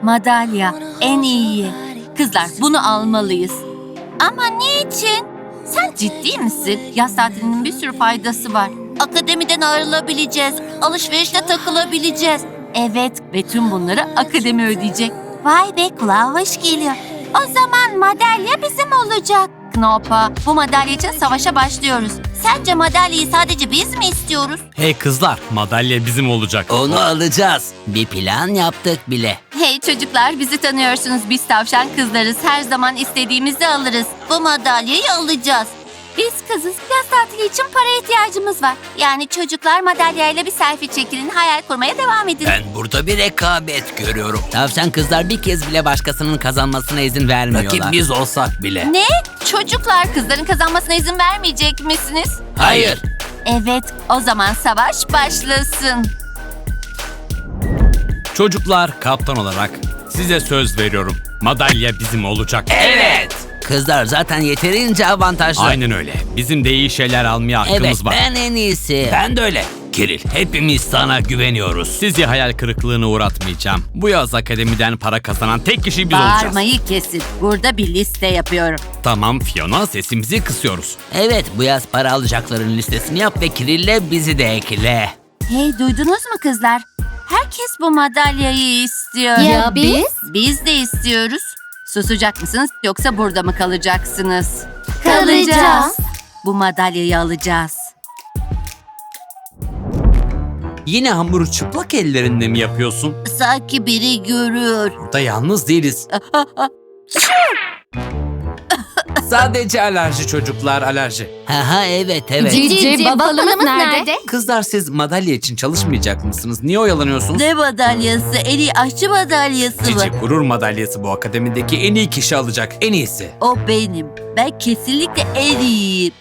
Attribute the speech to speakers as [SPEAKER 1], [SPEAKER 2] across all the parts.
[SPEAKER 1] Madalya, en iyi. Kızlar, bunu almalıyız. Ama niçin? Sen ciddi misin? Yaz tatilinin bir sürü faydası var. Akademiden ayrılabileceğiz, alışverişte takılabileceğiz. Evet, ve tüm bunları akademi ödeyecek. Vay be, kulağa hoş geliyor. O zaman madalya bizim olacak. Knopa, bu madalya için savaşa başlıyoruz. Sence madalyayı sadece biz mi istiyoruz?
[SPEAKER 2] Hey kızlar, madalya bizim olacak.
[SPEAKER 3] Onu alacağız. Bir plan yaptık bile.
[SPEAKER 1] Hey çocuklar, bizi tanıyorsunuz. Biz tavşan kızlarız. Her zaman istediğimizi alırız. Bu madalyayı alacağız. Biz kızız. Yaz tatili için para ihtiyacımız var. Yani çocuklar madalyayla bir selfie çekilin. Hayal kurmaya devam edin.
[SPEAKER 3] Ben burada bir rekabet görüyorum. Tavşan kızlar bir kez bile başkasının kazanmasına izin vermiyorlar. Rakip biz olsak bile.
[SPEAKER 1] Ne? Çocuklar kızların kazanmasına izin vermeyecek misiniz?
[SPEAKER 3] Hayır.
[SPEAKER 1] Evet, o zaman savaş başlasın.
[SPEAKER 2] Çocuklar, kaptan olarak size söz veriyorum. Madalya bizim olacak.
[SPEAKER 3] Evet. Kızlar zaten yeterince avantajlı.
[SPEAKER 2] Aynen öyle. Bizim de iyi şeyler almaya hakkımız
[SPEAKER 3] Evet,
[SPEAKER 2] var.
[SPEAKER 3] ben en iyisi. Ben de öyle. Kiril, hepimiz sana güveniyoruz.
[SPEAKER 2] Sizi hayal kırıklığına uğratmayacağım. Bu yaz akademiden para kazanan tek kişi biz olacağız.
[SPEAKER 1] Bağırmayı kesin. Burada bir liste yapıyorum.
[SPEAKER 2] Tamam Fiona, sesimizi kısıyoruz.
[SPEAKER 3] Evet, bu yaz para alacakların listesini yap ve Kirill'le bizi de ekle.
[SPEAKER 1] Hey, duydunuz mu kızlar? Herkes bu madalyayı istiyor.
[SPEAKER 4] Ya biz?
[SPEAKER 1] Biz de istiyoruz. Susacak mısınız yoksa burada mı kalacaksınız?
[SPEAKER 4] Kalacağız.
[SPEAKER 1] Bu madalyayı alacağız.
[SPEAKER 2] Yine hamuru çıplak ellerinde mi yapıyorsun?
[SPEAKER 1] Sanki biri görüyor.
[SPEAKER 2] Burada yalnız değiliz. Sadece alerji çocuklar, alerji.
[SPEAKER 3] Haha evet.
[SPEAKER 4] Cici babalımız nerede?
[SPEAKER 2] Kızlar, siz madalya için çalışmayacak mısınız? Niye oyalanıyorsunuz?
[SPEAKER 1] Ne madalyası? En iyi aşçı madalyası
[SPEAKER 2] Cici
[SPEAKER 1] mı?
[SPEAKER 2] gurur madalyası bu akademideki en iyi kişi alacak. En iyisi.
[SPEAKER 1] O benim. Ben kesinlikle en iyiyim.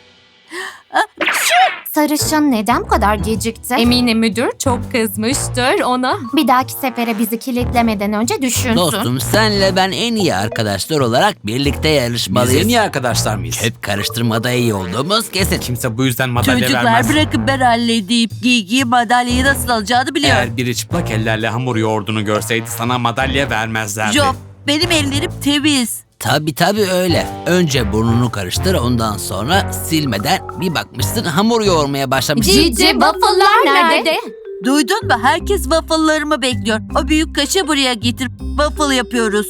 [SPEAKER 4] Sarışın neden bu kadar gecikti?
[SPEAKER 5] Eminim müdür çok kızmıştır ona.
[SPEAKER 4] Bir dahaki sefere bizi kilitlemeden önce düşünsün.
[SPEAKER 3] Dostum, senle ben en iyi arkadaşlar olarak birlikte
[SPEAKER 2] Biz
[SPEAKER 3] yarışmalıyız.
[SPEAKER 2] en iyi arkadaşlar mıyız?
[SPEAKER 3] Hep karıştırmada iyi olduğumuz kesin.
[SPEAKER 2] Kimse bu yüzden madalya
[SPEAKER 1] Çocuklar
[SPEAKER 2] vermez.
[SPEAKER 1] bırakın ben halledeyim. Gigi madalyayı nasıl alacağını biliyor.
[SPEAKER 2] Eğer biri çıplak ellerle hamur yoğurduğunu görseydi sana madalya vermezlerdi.
[SPEAKER 1] Job, benim ellerim temiz.
[SPEAKER 3] Tabii öyle. Önce burnunu karıştır, ondan sonra silmeden bir bakmışsın hamur yoğurmaya başlamışsın.
[SPEAKER 5] Cici waffle'lar nerede?
[SPEAKER 1] Duydun mu? Herkes waffle'larımı bekliyor. O büyük kaşığı buraya getir. Waffle yapıyoruz.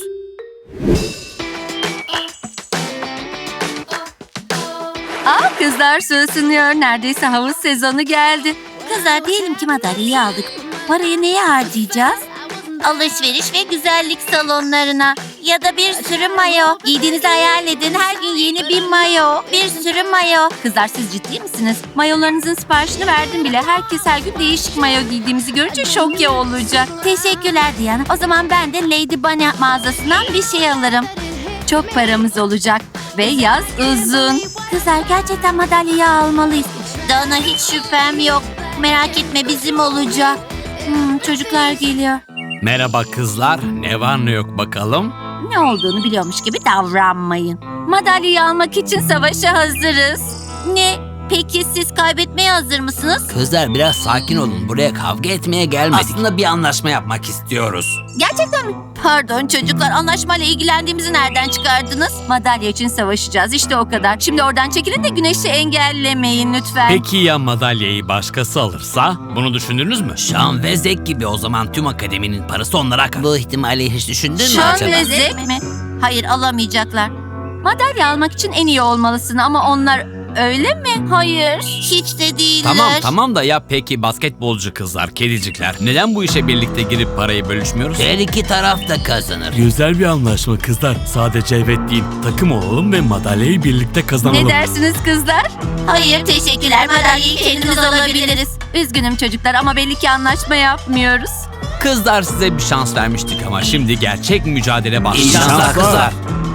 [SPEAKER 1] Kızlar su ısınıyor. Neredeyse havuz sezonu geldi. Kızlar, diyelim ki madalyayı aldık. Parayı neye harcayacağız? Alışveriş ve güzellik salonlarına. Ya da bir sürü mayo. Giydiğinizi hayal edin. Her gün yeni bir mayo. Bir sürü mayo. Kızlar, siz ciddi misiniz? Mayolarınızın siparişini verdim bile. Herkes her gün değişik mayo giydiğimizi görünce şok ya olacak. Teşekkürler Diana. O zaman ben de Lady Bunny mağazasından bir şey alırım. Çok paramız olacak. Ve yaz uzun. Kızlar, gerçekten madalyayı almalıyız. Dana, hiç şüphem yok. Merak etme, bizim olacak. Çocuklar geliyor.
[SPEAKER 2] Merhaba kızlar, ne var ne yok bakalım?
[SPEAKER 1] Ne olduğunu biliyormuş gibi davranmayın. Madalyayı almak için savaşa hazırız. Ne? Peki siz kaybetmeye hazır mısınız?
[SPEAKER 3] Kızlar biraz sakin olun. Buraya kavga etmeye gelmedik. Aslında bir anlaşma yapmak istiyoruz.
[SPEAKER 1] Gerçekten mi? Pardon çocuklar, anlaşmayla ilgilendiğimizi nereden çıkardınız? Madalya için savaşacağız, işte o kadar. Şimdi oradan çekilin de güneşi engellemeyin lütfen.
[SPEAKER 2] Peki ya madalyayı başkası alırsa? Bunu düşündünüz mü?
[SPEAKER 3] Şan ve Zek gibi, o zaman tüm akademinin parası onlara kalır. Bu ihtimali hiç düşündün mü
[SPEAKER 1] Şan
[SPEAKER 3] acaba?
[SPEAKER 1] ve Zek mi? Hayır, alamayacaklar. Madalya almak için en iyi olmalısın ama onlar öyle mi? Hayır. Hiç de değiller.
[SPEAKER 2] Tamam da ya peki basketbolcu kızlar, kedicikler, neden bu işe birlikte girip parayı bölüşmüyoruz?
[SPEAKER 3] Her iki taraf da kazanır.
[SPEAKER 2] Güzel bir anlaşma kızlar. Sadece evet değil, takım olalım ve madalyayı birlikte kazanalım.
[SPEAKER 1] Ne dersiniz kızlar? Hayır, teşekkürler. Madalyayı kendimiz alabiliriz. Üzgünüm çocuklar ama belli ki anlaşma yapmıyoruz.
[SPEAKER 2] Kızlar, size bir şans vermiştik ama şimdi gerçek mücadele başlıyor.
[SPEAKER 3] İyi şanslar kızlar.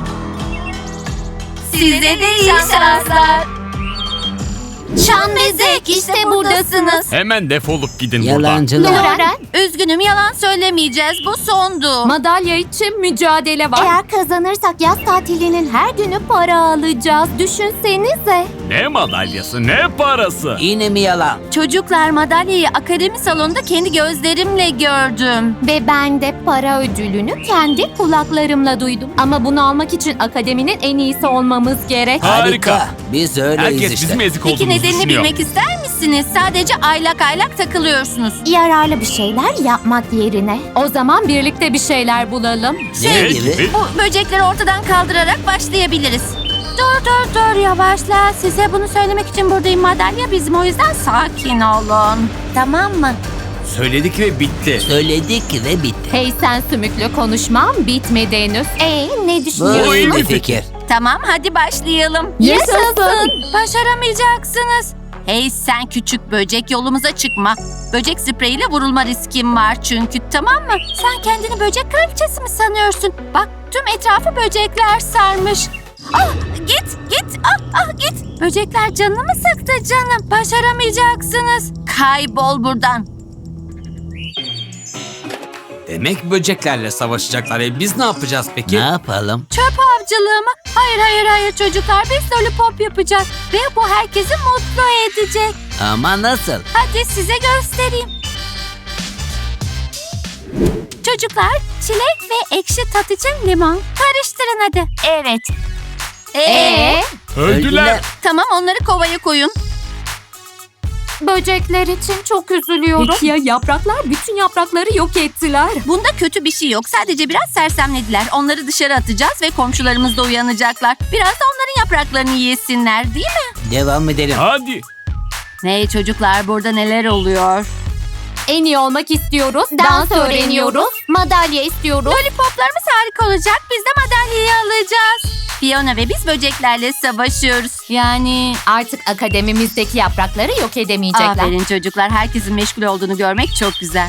[SPEAKER 1] Size de iyi şanslar. Şan ve Zek, işte buradasınız.
[SPEAKER 2] Hemen defolup gidin buradan.
[SPEAKER 3] Yalancılar.
[SPEAKER 4] Loren,
[SPEAKER 1] Üzgünüm, yalan söylemeyeceğiz. Bu sondu.
[SPEAKER 5] Madalya için mücadele var.
[SPEAKER 4] eğer kazanırsak yaz tatilinin her günü para alacağız. Düşünsenize.
[SPEAKER 2] Ne madalyası, ne parası?
[SPEAKER 3] Yine mi yalan?
[SPEAKER 1] Çocuklar, madalyayı akademi salonunda kendi gözlerimle gördüm.
[SPEAKER 4] Ve ben de para ödülünü kendi kulaklarımla duydum.
[SPEAKER 5] Ama bunu almak için akademinin en iyisi olmamız gerek.
[SPEAKER 2] Harika.
[SPEAKER 3] Biz öyleyiz
[SPEAKER 2] Herkes
[SPEAKER 3] işte.
[SPEAKER 2] bizim ezik
[SPEAKER 1] Peki
[SPEAKER 2] olduğumuzu
[SPEAKER 1] nedenini
[SPEAKER 2] düşünüyor.
[SPEAKER 1] bilmek ister misiniz? Sadece aylak aylak takılıyorsunuz.
[SPEAKER 4] Yararlı bir şeyler yapmak yerine.
[SPEAKER 5] O zaman birlikte bir şeyler bulalım.
[SPEAKER 3] Ne gibi?
[SPEAKER 1] Bu böcekleri ortadan kaldırarak başlayabiliriz. Dur yavaşla. Size bunu söylemek için buradayım. Madalya bizim, o yüzden sakin olun. Tamam mı?
[SPEAKER 2] Söyledik ve bitti.
[SPEAKER 3] Söyledik ve bitti.
[SPEAKER 5] Hey sen sümüklü, konuşmam bitmedi henüz.
[SPEAKER 4] Ne
[SPEAKER 3] Bu iyi
[SPEAKER 4] düşünüyorsunuz?
[SPEAKER 3] bir fikir.
[SPEAKER 1] Tamam, hadi başlayalım.
[SPEAKER 5] Yaşasın.
[SPEAKER 1] Başaramayacaksınız. Hey sen küçük böcek, yolumuza çıkma. Böcek spreyiyle vurulma riskim var çünkü, tamam mı? Sen kendini böcek kraliçesi mi sanıyorsun? Bak, tüm etrafı böcekler sarmış. Ah, git git. Böcekler canını mı sıktı canım? Başaramayacaksınız. Kaybol buradan.
[SPEAKER 2] Demek böceklerle savaşacaklar. Biz ne yapacağız peki?
[SPEAKER 3] Ne yapalım?
[SPEAKER 1] Çöp avcılığı mı? Hayır çocuklar, biz lollipop yapacağız. Ve bu herkesi mutlu edecek.
[SPEAKER 3] Ama nasıl?
[SPEAKER 1] Hadi size göstereyim. Çocuklar, çilek ve ekşi tat için limon. Karıştırın hadi. Evet.
[SPEAKER 2] Öldüler.
[SPEAKER 1] Tamam, onları kovaya koyun.
[SPEAKER 4] Böcekler için çok üzülüyorum.
[SPEAKER 5] Peki ya yapraklar? Bütün yaprakları yok ettiler.
[SPEAKER 1] Bunda kötü bir şey yok. Sadece biraz sersemlediler. Onları dışarı atacağız ve komşularımız da uyanacaklar. Biraz da onların yapraklarını yesinler, değil mi?
[SPEAKER 3] Devam edelim.
[SPEAKER 2] Hadi.
[SPEAKER 1] Hey çocuklar, burada neler oluyor?
[SPEAKER 5] En iyi olmak istiyoruz.
[SPEAKER 4] Dans öğreniyoruz. Madalya istiyoruz.
[SPEAKER 1] Lollipoplarımız harika olacak. Biz de madalyayı alacağız. Fiona ve biz böceklerle savaşıyoruz. Yani...
[SPEAKER 5] Artık akademimizdeki yaprakları yok edemeyecekler.
[SPEAKER 1] Aferin çocuklar. Herkesin meşgul olduğunu görmek çok güzel.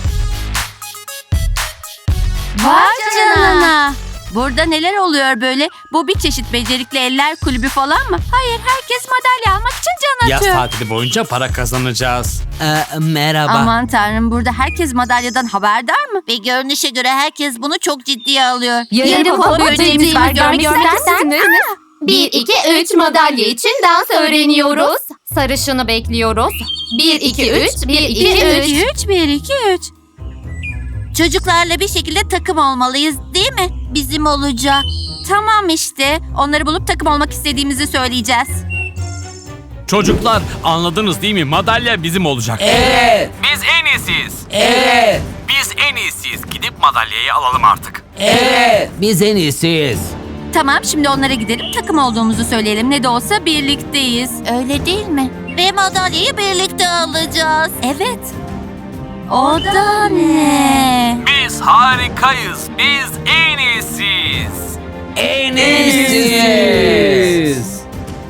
[SPEAKER 1] Vay canına. Burada neler oluyor böyle? Bu bir çeşit becerikli eller kulübü falan mı? Hayır, herkes madalya almak için can
[SPEAKER 2] Yaz
[SPEAKER 1] atıyor.
[SPEAKER 2] tatili boyunca para kazanacağız.
[SPEAKER 3] Merhaba.
[SPEAKER 1] Aman tanrım, burada herkes madalyadan haberdar mı? Ve görünüşe göre herkes bunu çok ciddiye alıyor.
[SPEAKER 5] Yarın pop böceğimiz var. Görmek ister misiniz?
[SPEAKER 4] 1, 2, 3 madalya için dans öğreniyoruz.
[SPEAKER 5] Sarışını bekliyoruz.
[SPEAKER 4] 1, 2, 3, 1, 2, 3.
[SPEAKER 1] 1, 2, 3. Çocuklarla bir şekilde takım olmalıyız, değil mi? Bizim olacak. Tamam işte. Onları bulup takım olmak istediğimizi söyleyeceğiz.
[SPEAKER 2] Çocuklar, anladınız değil mi? Madalya bizim olacak.
[SPEAKER 3] Evet.
[SPEAKER 2] Biz en iyisiyiz.
[SPEAKER 3] Evet.
[SPEAKER 2] Biz en iyisiyiz. Gidip madalyayı alalım artık.
[SPEAKER 3] Evet. Biz en iyisiyiz.
[SPEAKER 1] Tamam, şimdi onlara gidelim, takım olduğumuzu söyleyelim. Ne de olsa birlikteyiz. Öyle değil mi? Ve madalyayı birlikte alacağız. Evet. O da ne?
[SPEAKER 2] Biz harikayız. Biz en iyisiyiz.
[SPEAKER 3] En iyisiyiz.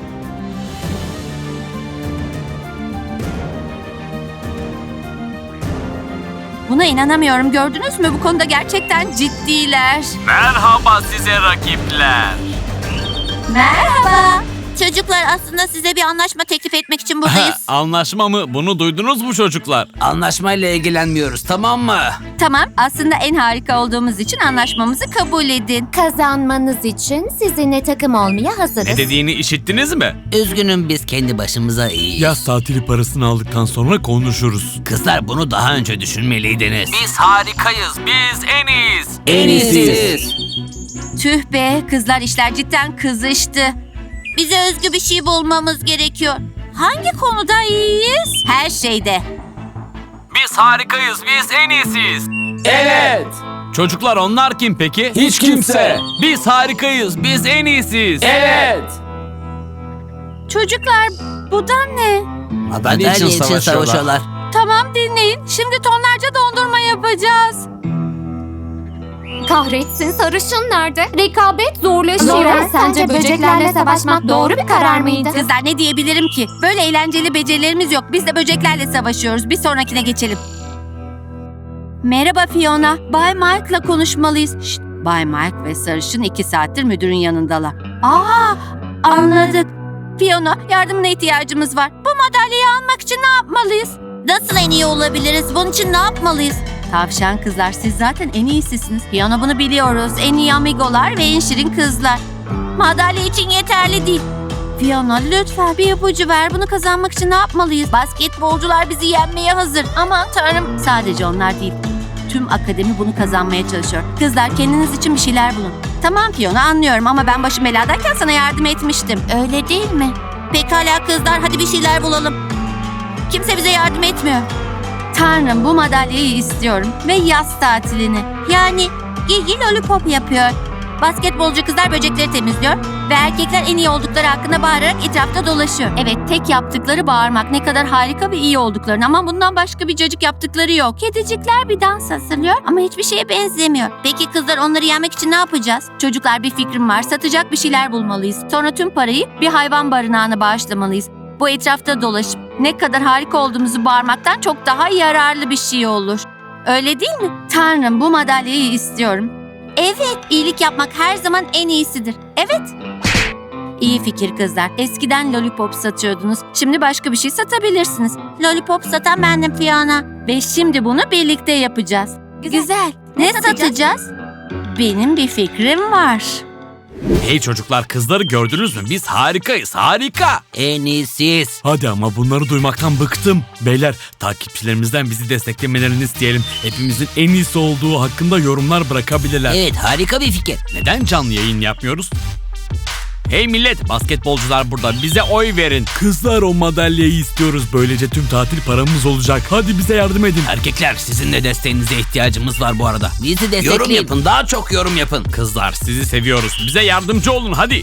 [SPEAKER 1] Buna inanamıyorum. Gördünüz mü? Bu konuda gerçekten ciddiler.
[SPEAKER 2] Merhaba size rakipler.
[SPEAKER 1] Merhaba. Çocuklar, aslında size bir anlaşma teklif etmek için buradayız.
[SPEAKER 2] Anlaşma mı? Bunu duydunuz mu çocuklar?
[SPEAKER 3] Anlaşmayla ilgilenmiyoruz, tamam mı?
[SPEAKER 1] Tamam, aslında en harika olduğumuz için anlaşmamızı kabul edin.
[SPEAKER 4] Kazanmanız için sizinle takım olmaya hazırız.
[SPEAKER 2] Ne dediğini işittiniz mi?
[SPEAKER 3] Üzgünüm, biz kendi başımıza iyiyiz.
[SPEAKER 2] Yaz tatili parasını aldıktan sonra konuşuruz.
[SPEAKER 3] Kızlar, bunu daha önce düşünmeliydiniz.
[SPEAKER 2] Biz harikayız. Biz en iyiyiz.
[SPEAKER 3] En iyisiyiz.
[SPEAKER 1] Tüh be, kızlar, işler cidden kızıştı. Bize özgü bir şey bulmamız gerekiyor. Hangi konuda iyiyiz? Her şeyde.
[SPEAKER 2] Biz harikayız. Biz en iyisiyiz.
[SPEAKER 3] Evet.
[SPEAKER 2] Çocuklar, onlar kim peki?
[SPEAKER 3] Hiç kimse.
[SPEAKER 2] Biz harikayız. Biz en iyisiyiz.
[SPEAKER 3] Evet.
[SPEAKER 1] Çocuklar, bu da ne?
[SPEAKER 3] Madalya için savaşıyorlar.
[SPEAKER 1] Tamam, dinleyin. Şimdi tonlarca dondurma yapacağız.
[SPEAKER 5] Kahretsin, sarışın nerede? Rekabet zorlaşıyor.
[SPEAKER 4] Laura, sence böceklerle savaşmak doğru bir karar mıydı?
[SPEAKER 1] Kızlar, ne diyebilirim ki? Böyle eğlenceli becerilerimiz yok. Biz de böceklerle savaşıyoruz. Bir sonrakine geçelim. Merhaba Fiona. Bay Mike'la konuşmalıyız. Şşt, Bay Mike ve Sarışın 2 saattir müdürün yanındalar. Anladık. Fiona, yardımına ihtiyacımız var. Bu madalyayı almak için ne yapmalıyız? Nasıl en iyi olabiliriz? Bunun için ne yapmalıyız? Tavşan kızlar, siz zaten en iyisisiniz. Fiona, bunu biliyoruz. En iyi amigolar ve en şirin kızlar. Madalya için yeterli değil. Fiona lütfen bir ipucu ver. Bunu kazanmak için ne yapmalıyız? Basketbolcular bizi yenmeye hazır. Aman tanrım. Sadece onlar değil. Tüm akademi bunu kazanmaya çalışıyor. Kızlar kendiniz için bir şeyler bulun. Tamam Fiona anlıyorum ama ben başım beladayken sana yardım etmiştim. Öyle değil mi? Pekala kızlar hadi bir şeyler bulalım. Kimse bize yardım etmiyor. Tanrım bu madalyayı istiyorum ve yaz tatilini. Yani Gigi lollipop yapıyor. Basketbolcu kızlar böcekleri temizliyor ve erkekler en iyi oldukları hakkında bağırarak etrafta dolaşıyor. Evet tek yaptıkları bağırmak ne kadar harika ve iyi olduklarını ama bundan başka bir cacık yaptıkları yok. Kedicikler bir dans hazırlıyor ama hiçbir şeye benzemiyor. Peki kızlar onları yenmek için ne yapacağız? Çocuklar bir fikrim var satacak bir şeyler bulmalıyız. Sonra tüm parayı bir hayvan barınağına bağışlamalıyız. Bu etrafta dolaşıp ne kadar harika olduğumuzu bağırmaktan çok daha yararlı bir şey olur. Öyle değil mi? Tanrım bu madalyayı istiyorum. Evet, iyilik yapmak her zaman en iyisidir. Evet. İyi fikir kızlar. Eskiden lollipop satıyordunuz. Şimdi başka bir şey satabilirsiniz. Lollipop satan bendim Fiona. Ve şimdi bunu birlikte yapacağız. Güzel. Ne satacağız? Benim bir fikrim var.
[SPEAKER 2] Hey çocuklar, kızları gördünüz mü? Biz harikayız, harika.
[SPEAKER 3] En iyisiyiz.
[SPEAKER 2] Hadi ama bunları duymaktan bıktım. Beyler, takipçilerimizden bizi desteklemelerini isteyelim. Hepimizin en iyisi olduğu hakkında yorumlar bırakabilirler.
[SPEAKER 3] Evet, harika bir fikir.
[SPEAKER 2] Neden canlı yayın yapmıyoruz? Hey millet, basketbolcular burada. Bize oy verin. Kızlar, o madalyayı istiyoruz. Böylece tüm tatil paramız olacak. Hadi bize yardım edin.
[SPEAKER 3] Erkekler, sizin de desteğinize ihtiyacımız var bu arada. Bizi destekleyin. Yorum yapın, daha çok yorum yapın.
[SPEAKER 2] Kızlar, sizi seviyoruz. Bize yardımcı olun hadi.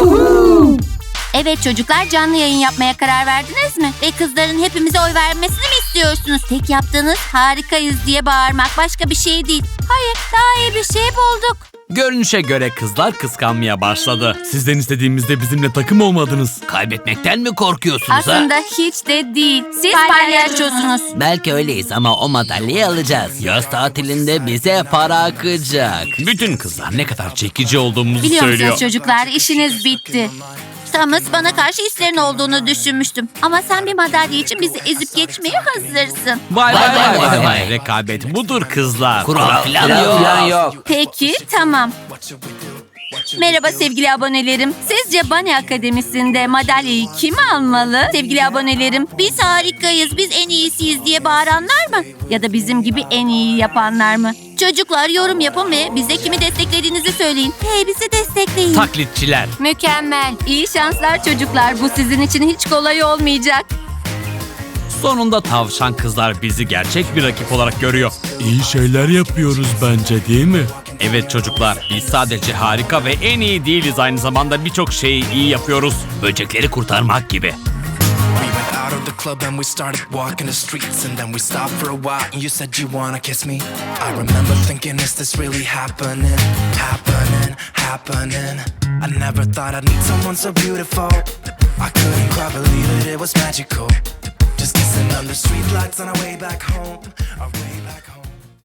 [SPEAKER 1] Evet çocuklar canlı yayın yapmaya karar verdiniz mi? Ve kızların hepimize oy vermesini mi istiyorsunuz? Tek yaptığınız harikayız diye bağırmak başka bir şey değil. Hayır daha iyi bir şey bulduk.
[SPEAKER 2] Görünüşe göre kızlar kıskanmaya başladı. Sizden istediğimizde bizimle takım olmadınız.
[SPEAKER 3] Kaybetmekten mi korkuyorsunuz
[SPEAKER 1] Aslında hiç de değil. Siz palyaçosunuz.
[SPEAKER 3] Belki öyleyiz ama o madalyayı alacağız. Yaz tatilinde bize para akacak.
[SPEAKER 2] Bütün kızlar ne kadar çekici olduğumuzu
[SPEAKER 1] Biliyor
[SPEAKER 2] söylüyor.
[SPEAKER 1] musunuz çocuklar işiniz bitti. Thomas bana karşı hislerin olduğunu düşünmüştüm. Ama sen bir madalya için bizi ezip geçmeye hazırsın.
[SPEAKER 2] Vay
[SPEAKER 3] Vay vay vay vay.
[SPEAKER 2] Rekabet budur kızlar.
[SPEAKER 3] Kural falan yok.
[SPEAKER 1] Peki tamam. Merhaba sevgili abonelerim. Sizce Bunny Akademisi'nde madalyayı kim almalı? Sevgili abonelerim, biz harikayız, biz en iyisiyiz diye bağıranlar mı? Ya da bizim gibi en iyi yapanlar mı? Çocuklar yorum yapın ve bize kimi desteklediğinizi söyleyin. Hey bizi destekleyin.
[SPEAKER 2] Taklitçiler.
[SPEAKER 1] Mükemmel. İyi şanslar çocuklar. Bu sizin için hiç kolay olmayacak.
[SPEAKER 2] Sonunda tavşan kızlar bizi gerçek bir rakip olarak görüyor. İyi şeyler yapıyoruz bence değil mi? Evet çocuklar, biz sadece harika ve en iyi değiliz, aynı zamanda birçok şeyi iyi yapıyoruz. Böcekleri kurtarmak gibi.
[SPEAKER 6] We went out of the club and we started walking the streets, and then we stopped for a while and you said you wanna kiss me. I remember thinking, is this really happening? Happening. I never thought I'd meet someone so beautiful. I couldn't quite believe it, it was magical. Just kissing under streetlights on our way back home, our way back home.